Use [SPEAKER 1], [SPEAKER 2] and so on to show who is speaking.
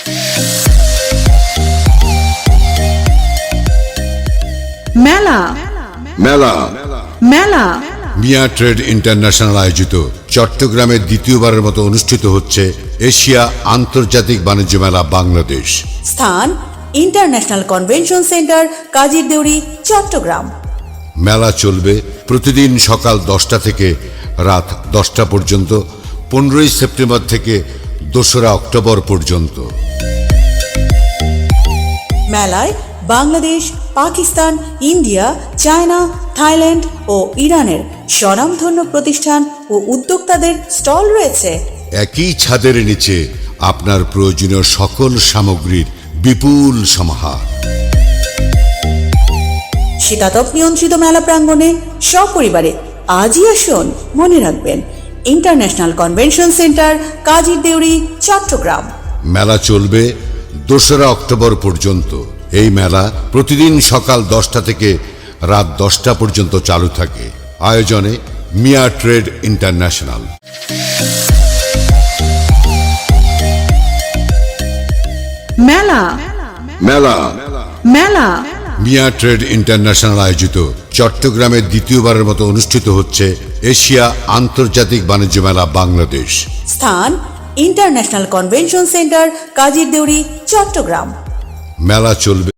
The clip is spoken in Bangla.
[SPEAKER 1] মেলা
[SPEAKER 2] মেলা
[SPEAKER 1] মেলা
[SPEAKER 2] মিয়া ট্রেড ইন্টারন্যাশনাল আয়োজিত চট্টগ্রামে দ্বিতীয়বারের মতো অনুষ্ঠিত হচ্ছে এশিয়া আন্তর্জাতিক বাণিজ্য মেলা বাংলাদেশ।
[SPEAKER 3] স্থান international convention centre, Kazirdeuri, Chittagong.
[SPEAKER 2] মেলা চলবে প্রতিদিন সকাল 10টা থেকে রাত 10টা পর্যন্ত, 15ই সেপ্টেম্বর থেকে 2রা অক্টোবর পর্যন্ত।
[SPEAKER 3] মেলায় Bangladesh, Pakistan, India, China, Thailand ও ইরানের স্বনামধন্য প্রতিষ্ঠান ও উদ্যোক্তাদের স্টল রয়েছে।
[SPEAKER 2] একই ছাদের নিচে আপনার প্রয়োজনীয় সকল সামগ্রীর বিপুল সমাহার।
[SPEAKER 3] শীতাতপ নিয়ন্ত্রিত মেলা প্রাঙ্গণে সপরিবারে আজই আসুন। মনে রাখবেন, international convention centre, Kazirdeuri, Chittagong.
[SPEAKER 2] মেলা চলবে 2রা অক্টোবর পর্যন্ত। এই মেলা প্রতিদিন সকাল 10টা থেকে রাত 10টা পর্যন্ত চালু থাকে। আয়োজনে মিয়া ট্রেড ইন্টারন্যাশনাল।
[SPEAKER 1] মেলা
[SPEAKER 2] মেলা
[SPEAKER 1] মেলা
[SPEAKER 2] মিয়া ট্রেড ইন্টারন্যাশনাল আয়োজিত চট্টগ্রামে দ্বিতীয়বারের মতো অনুষ্ঠিত হচ্ছে এশিয়া আন্তর্জাতিক বাণিজ্য মেলা বাংলাদেশ।
[SPEAKER 3] স্থান international convention centre, Kazirdeuri, Chittagong.
[SPEAKER 2] মেলা চলবে